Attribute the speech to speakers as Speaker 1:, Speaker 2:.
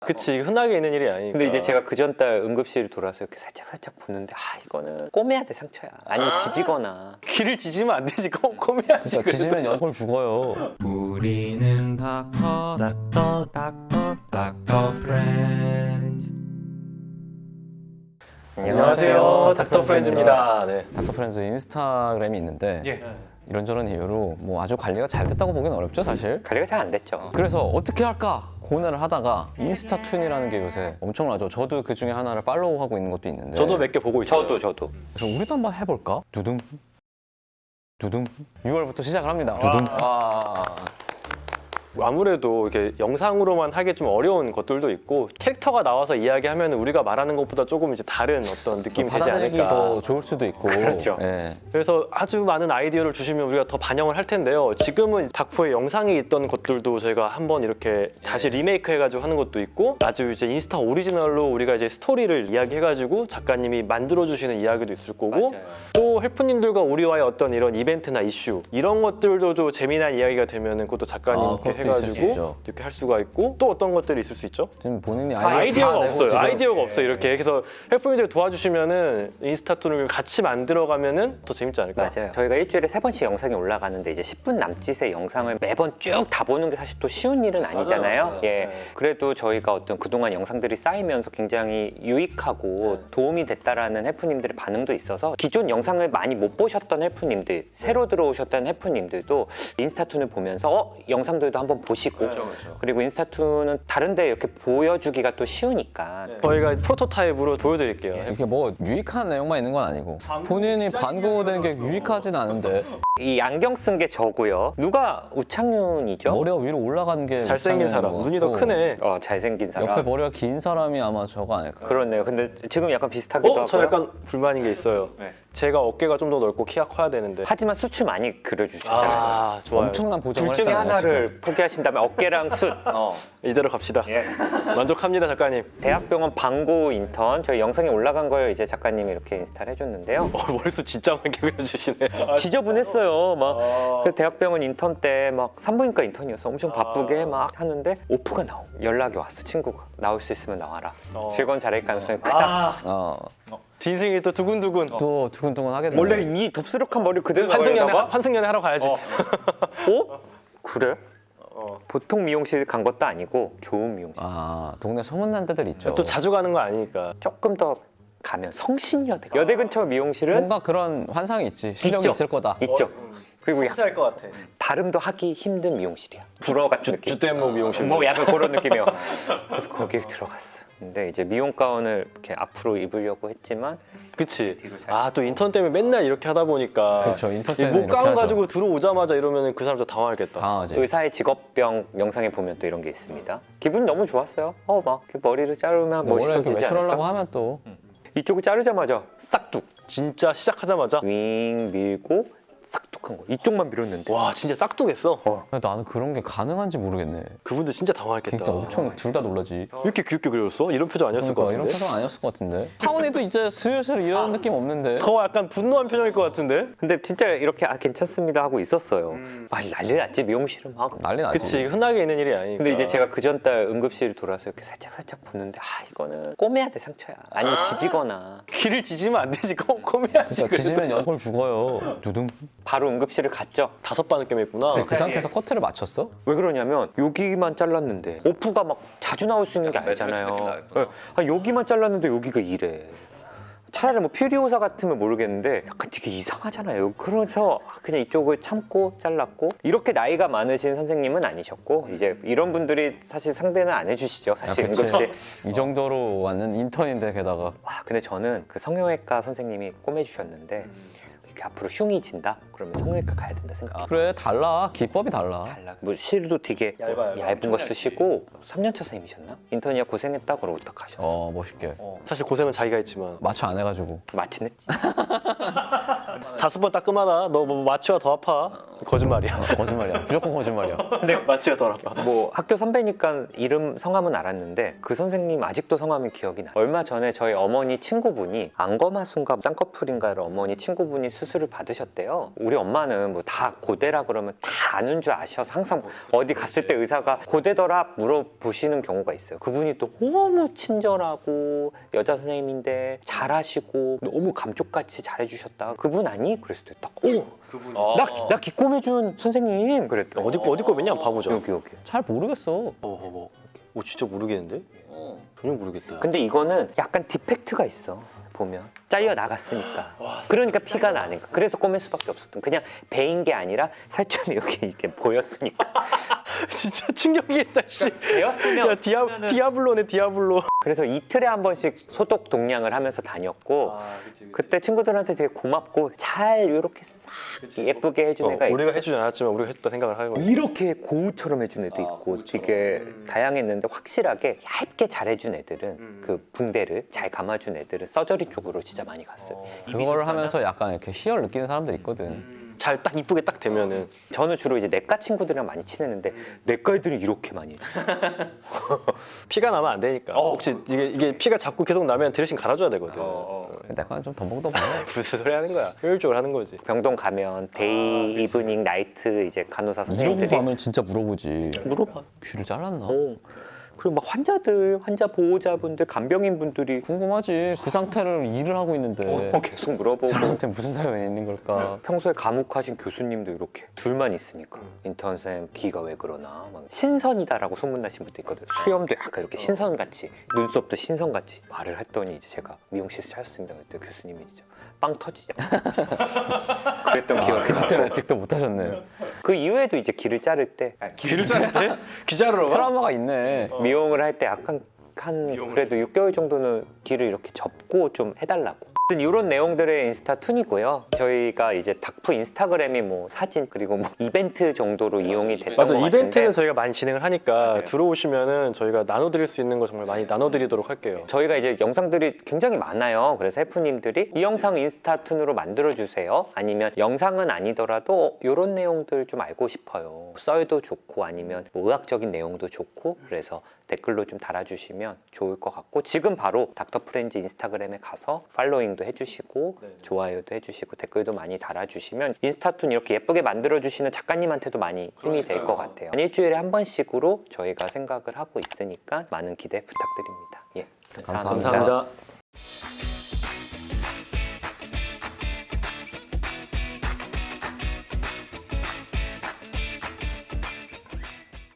Speaker 1: 그치, 흔하게 있는 일이 아니니까.
Speaker 2: 근데 이제 제가 그 전달 응급실 돌아서 이렇게 살짝 보는데 이거는 꼬매야 돼 상처야. 아니면 지지거나.
Speaker 1: 귀를 지지면 안 되지. 꼬매야지.
Speaker 3: 그러니까 지지면 연골 죽어요.
Speaker 4: 우리는 닥터 프렌즈.
Speaker 1: 안녕하세요, 닥터 프렌즈입니다. 네.
Speaker 3: 닥터 프렌즈 인스타그램이 있는데 이런저런 이유로 뭐 아주 관리가 잘 됐다고 보기는 어렵죠 사실.
Speaker 2: 관리가 잘 안 됐죠.
Speaker 3: 그래서 어떻게 할까 고민을 하다가 인스타툰이라는 게 요새 엄청나죠. 저도 그 중에 하나를 팔로우하고 있는 것도 있는데
Speaker 1: 저도 몇 개 보고 있어요.
Speaker 2: 저도.
Speaker 3: 그래서 우리도 한번 해볼까? 두둥 6월부터 시작을 합니다. 두둥.
Speaker 1: 아무래도 이렇게 영상으로만 하기 좀 어려운 것들도 있고 캐릭터가 나와서 이야기하면 우리가 말하는 것보다 조금 이제 다른 어떤 느낌이 되지
Speaker 3: 받아들이기
Speaker 1: 않을까.
Speaker 3: 더 좋을 수도 있고.
Speaker 2: 그렇죠.
Speaker 3: 예.
Speaker 1: 그래서 아주 많은 아이디어를 주시면 우리가 더 반영을 할 텐데요. 지금은 닥포의 영상이 있던 것들도 저희가 한번 이렇게 다시 리메이크 해가지고 하는 것도 있고, 아주 이제 인스타 오리지널로 우리가 이제 스토리를 이야기해가지고 작가님이 만들어주시는 이야기도 있을 거고, 또 헬프님들과 우리와의 어떤 이런 이벤트나 이슈 이런 것들도 재미난 이야기가 되면은 그것도 작가님께
Speaker 3: 그것도 있을 수 있죠.
Speaker 1: 해가지고 이렇게 할 수가 있고, 또 어떤 것들이 있을 수 있죠?
Speaker 3: 지금 본인이
Speaker 1: 아이디어가
Speaker 3: 다 내고
Speaker 1: 없어요.
Speaker 3: 지금
Speaker 1: 아이디어가 없어요. 이렇게 해서 헬프님들 도와주시면은 인스타툰을 같이 만들어가면은 더 재밌지 않을까?
Speaker 2: 맞아요. 저희가 일주일에 3번씩 영상이 올라가는데 이제 10분 남짓의 영상을 매번 쭉 다 보는 게 사실 또 쉬운 일은 아니잖아요.
Speaker 1: 맞아요.
Speaker 2: 예.
Speaker 1: 네.
Speaker 2: 그래도 저희가 어떤 그동안 영상들이 쌓이면서 굉장히 유익하고 도움이 됐다라는 헬프님들의 반응도 있어서 기존 영상을 많이 못 보셨던 헬프님들, 새로 들어오셨던 헬프님들도 인스타툰을 보면서 영상들도 한번 보시고, 그리고 인스타툰은 다른데 이렇게 보여주기가 또 쉬우니까.
Speaker 1: 저희가 프로토타입으로 보여드릴게요.
Speaker 3: 이렇게 뭐 유익한 내용만 있는 건 아니고 본인이 반고된 게 유익하진 않은데
Speaker 2: 이 안경 쓴 게 저고요. 누가 우창윤이죠?
Speaker 3: 머리가 위로 올라가는 게
Speaker 1: 잘생긴
Speaker 3: 이상한
Speaker 1: 사람,
Speaker 3: 것
Speaker 1: 눈이 더
Speaker 3: 같고
Speaker 1: 크네.
Speaker 2: 잘생긴 사람.
Speaker 3: 옆에 머리가 긴 사람이 아마 저거 아닐까.
Speaker 2: 그렇네요. 근데 지금 약간 비슷하기도 하고요.
Speaker 1: 저 약간 불만인 게 있어요.
Speaker 2: 네.
Speaker 1: 제가 어깨가 좀 더 넓고 키가 커야 되는데.
Speaker 2: 하지만 수치 많이 그려주셨잖아요.
Speaker 1: 좋아요.
Speaker 3: 엄청난 보정을
Speaker 2: 둘 중에
Speaker 3: 했잖아요,
Speaker 2: 하나를 포기하신다면 어깨랑 숫.
Speaker 1: 이대로 갑시다.
Speaker 2: 예.
Speaker 1: 만족합니다, 작가님.
Speaker 2: 대학병원 방고 인턴 저희 영상에 올라간 걸 이제 작가님이 이렇게 인스타를 해줬는데요.
Speaker 1: 머릿속 진짜 많게 그려주시네.
Speaker 2: 지저분했어요. 막 그 대학병원 인턴 때 막 산부인과 인턴이었어. 엄청 바쁘게 막 하는데 오프가 나오. 연락이 왔어, 친구가. 나올 수 있으면 나와라. 즐거운 자리일 가능성이 크다.
Speaker 1: 진승이 또 두근두근.
Speaker 3: 또 두근두근 하게 되네.
Speaker 2: 원래 이 덥수룩한 머리 그대로 나가려다가
Speaker 1: 환승연애 하러 가야지.
Speaker 2: 그래? 보통 미용실 간 것도 아니고 좋은 미용실.
Speaker 3: 동네 소문난 데들 있죠.
Speaker 1: 또 자주 가는 거 아니니까.
Speaker 2: 조금 더 가면 성신여대. 여대 근처 미용실은
Speaker 3: 뭔가 그런 환상이 있지. 실력이
Speaker 2: 있죠.
Speaker 3: 있을 거다.
Speaker 2: 있죠. 그리고
Speaker 1: 할것 같아.
Speaker 2: 발음도 하기 힘든 미용실이야. 불어 같은 느낌.
Speaker 1: 주댐목 미용실.
Speaker 2: 뭐 약간 그런 느낌이요. 그래서 거기에 들어갔어. 근데 이제 미용 가운을 이렇게 앞으로 입으려고 했지만
Speaker 1: 그치. 또 인턴 때문에 맨날 이렇게 하다 보니까.
Speaker 3: 그렇죠. 인턴
Speaker 1: 이
Speaker 3: 때는 이렇게
Speaker 1: 목가운
Speaker 3: 하죠.
Speaker 1: 가지고 들어오자마자 이러면 그 사람 좀 당황하겠다.
Speaker 3: 당하지.
Speaker 2: 의사의 직업병 영상에 보면 또 이런 게 있습니다. 기분 너무 좋았어요. 막 이렇게 머리를 자르면
Speaker 3: 원래 이렇게
Speaker 2: 멋있어지지
Speaker 3: 외출하려고
Speaker 2: 않을까?
Speaker 3: 하면 또
Speaker 2: 이쪽을 자르자마자 싹둑
Speaker 1: 진짜 시작하자마자.
Speaker 2: 윙 밀고 싹둑한 거. 이쪽만 밀었는데.
Speaker 1: 와, 진짜 싹둑했어.
Speaker 3: 나는 그런 게 가능한지 모르겠네.
Speaker 1: 그분들 진짜 당황했겠다.
Speaker 3: 진짜 엄청 둘 다 놀라지.
Speaker 1: 이렇게 귀엽게 그렸어? 이런 표정 아니었을 것
Speaker 3: 그러니까
Speaker 1: 같은데?
Speaker 3: 이런 표정 아니었을 것 같은데. 하원이도 이제 슬슬 이런 느낌 없는데.
Speaker 1: 더 약간 분노한 표정일 것 같은데?
Speaker 2: 근데 진짜 이렇게 괜찮습니다 하고 있었어요. 막 난리 났지 미용실은 막.
Speaker 3: 난리 나지.
Speaker 1: 그치, 흔하게 있는 일이 아니니까.
Speaker 2: 근데 이제 제가 그 전달 응급실 돌아서 이렇게 살짝 보는데 이거는 꼬매야 돼 상처야. 아니면 지지거나.
Speaker 1: 귀를 지지면 안 되지. 꼬매야지.
Speaker 3: 그러니까 지지면 연골 죽어요. 두둥.
Speaker 2: 바로 응급실을 갔죠.
Speaker 1: 5번 꿰맸구나.
Speaker 3: 근데 그 상태에서 커트를 맞췄어?
Speaker 2: 왜 그러냐면 여기만 잘랐는데 오프가 막 자주 나올 수 있는 게 아니잖아요. 여기만 잘랐는데 여기가 이래. 차라리 뭐 퓨리오사 같으면 모르겠는데 약간 되게 이상하잖아요. 그래서 그냥 이쪽을 참고 잘랐고, 이렇게 나이가 많으신 선생님은 아니셨고 이제 이런 분들이 사실 상대는 안 해주시죠. 사실
Speaker 3: 그치.
Speaker 2: 응급실.
Speaker 3: 이 정도로 왔는 인턴인데 게다가
Speaker 2: 근데 저는 그 성형외과 선생님이 꼬매주셨는데 이렇게 앞으로 흉이 진다? 그러면 성형외과 가야 된다 생각.
Speaker 3: 그래 달라. 기법이 달라.
Speaker 2: 뭐 실도 되게 얇은 거 쓰시고 3년차 선생님이셨나? 인턴이야 고생했다 그러고 딱 가셨어.
Speaker 3: 멋있게.
Speaker 1: 사실 고생은 자기가 했지만.
Speaker 3: 마취 안 해가지고.
Speaker 2: 마침 했지.
Speaker 1: 5번 따끔하다. 너 뭐 마취와 더 아파. 거짓말이야.
Speaker 3: 거짓말이야. 무조건 거짓말이야.
Speaker 1: 맞지가 더라고.
Speaker 2: 뭐 학교 선배니까 이름 성함은 알았는데 그 선생님 아직도 성함이 기억이 나. 얼마 전에 저희 어머니 친구분이 안검하수인가 쌍꺼풀인가를 어머니 친구분이 수술을 받으셨대요. 우리 엄마는 뭐 다 고대라 그러면 다 아는 줄 아셔서 항상 어디 갔을 때 의사가 고대더라 물어보시는 경우가 있어요. 그분이 또 너무 친절하고 여자 선생님인데 잘하시고 너무 감쪽같이 잘해주셨다. 그분 아니? 그랬을 때 딱 오! 나 기꼬매준 선생님 그랬더니
Speaker 1: 어디 거 맨냐 봐보자.
Speaker 2: 여기
Speaker 3: 잘 모르겠어.
Speaker 1: 오 진짜 모르겠는데? 전혀 모르겠다.
Speaker 2: 근데 이거는 약간 디펙트가 있어 보면 잘려 나갔으니까 그러니까 피가 나니까 그래서 꼬맬 수밖에 없었던 그냥 배인 게 아니라 살점이 여기 이렇게 보였으니까
Speaker 1: 진짜 충격이겠다. 씨.
Speaker 2: 배웠으면
Speaker 1: 야 디아블로네 디아블로.
Speaker 2: 그래서 이틀에 한 번씩 소독 동량을 하면서 다녔고 그때 친구들한테 되게 고맙고 잘 이렇게 싹 예쁘게 해준 애가 있고
Speaker 1: 우리가 해주지 않았지만 우리가 했다 생각을 하는 거지.
Speaker 2: 이렇게 고우처럼 해준 애도 있고 되게 다양했는데 확실하게 얇게 잘 해준 애들은 그 붕대를 잘 감아준 애들은 서저리 쪽으로 진짜 많이 갔어요.
Speaker 3: 그거를 하면서 약간 이렇게 희열 느끼는 사람들 있거든.
Speaker 1: 잘 딱 이쁘게 딱 되면은
Speaker 2: 저는 주로 이제 내과 친구들이랑 많이 친했는데 내과 애들이 이렇게 많이 해줘.
Speaker 1: 피가 나면 안 되니까. 혹시 이게 피가 자꾸 계속 나면 드레싱 갈아줘야 되거든.
Speaker 3: 약간 좀 덤벙덤벙해.
Speaker 1: 무슨 소리 하는 거야? 효율적으로 하는 거지.
Speaker 2: 병동 가면 데이, 이브닝, 나이트 이제 간호사
Speaker 3: 이러고
Speaker 2: 선생님들이
Speaker 3: 가면 진짜 물어보지.
Speaker 2: 물어봐.
Speaker 3: 귀를 잘랐나?
Speaker 2: 그리고 막 환자 보호자분들, 간병인 분들이
Speaker 3: 궁금하지. 그 상태를 일을 하고 있는데
Speaker 2: 계속 물어보고
Speaker 3: 사람한테 무슨 사연이 있는 걸까?
Speaker 2: 평소에 감옥하신 교수님도 이렇게 둘만 있으니까 인턴 쌤 귀가 왜 그러나 막 신선이다라고 소문나신 분도 있거든. 수염도 약간 이렇게 신선같이 눈썹도 신선같이 말을 했더니 이제 제가 미용실에서 찾았습니다. 그때 교수님이 진짜 빵 터지죠. 그랬던 기억이
Speaker 3: 그것 때문에
Speaker 2: 나요.
Speaker 3: 틱도 못 하셨네.
Speaker 2: 그 이후에도 이제 귀를 자를 때
Speaker 1: 귀를 자를 때? 귀 자르러 가?
Speaker 3: 트라우마가 있네.
Speaker 2: 미용을 할 때 약간 한 그래도 6개월 정도는 귀를 이렇게 접고 좀 해달라고. 이런 내용들의 인스타 툰이고요. 저희가 이제 닥프 인스타그램이 뭐 사진 그리고 뭐 이벤트 정도로 이용이 됐던 것
Speaker 1: 맞아,
Speaker 2: 같은데
Speaker 1: 이벤트는 저희가 많이 진행을 하니까
Speaker 2: 맞아요.
Speaker 1: 들어오시면은 저희가 나눠드릴 수 있는 거 정말 많이 나눠드리도록 할게요.
Speaker 2: 저희가 이제 영상들이 굉장히 많아요. 그래서 셰프님들이 이 영상 인스타 툰으로 만들어주세요. 아니면 영상은 아니더라도 이런 내용들 좀 알고 싶어요. 썰도 좋고 아니면 뭐 의학적인 내용도 좋고 그래서 댓글로 좀 달아주시면 좋을 것 같고 지금 바로 닥터 프렌즈 인스타그램에 가서 팔로잉도 해주시고 좋아요도 해주시고 댓글도 많이 달아주시면 인스타툰 이렇게 예쁘게 만들어주시는 작가님한테도 많이 힘이 될 것 같아요. 일주일에 한 번씩으로 저희가 생각을 하고 있으니까 많은 기대 부탁드립니다. 예,
Speaker 3: 감사합니다.
Speaker 1: 감사합니다.